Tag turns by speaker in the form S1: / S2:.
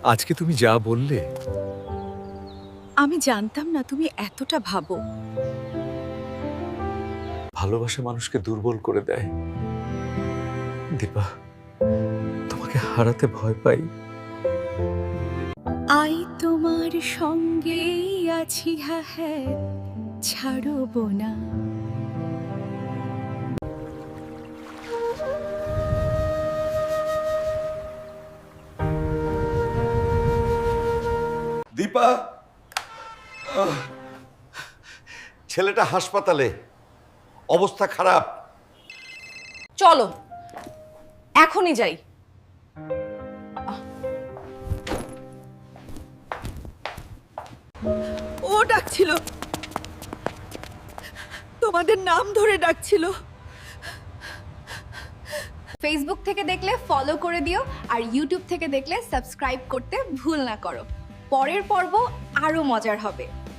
S1: আজকে তুমি যা বললে,
S2: আমি জানতাম না তুমি এতটা ভাবো।
S1: ভালোবাসা মানুষকে দুর্বল করে দেয়। দীপা, তোমাকে হারাতে ভয় পাই।
S2: আই তোমার সঙ্গেই আছি, হ্যাঁ হ্যাঁ, ছাড়ব না।
S3: দীপা, ছেলেটা হাসপাতালে, অবস্থা খারাপ।
S4: চলো এখনই যাই।
S2: ও ডাকছিল, তোমাদের নাম ধরে ডাকছিল।
S4: ফেসবুক থেকে দেখলে ফলো করে দিও, আর ইউটিউব থেকে দেখলে সাবস্ক্রাইব করতে ভুল না করো। পরের পর্ব আরো মজার হবে।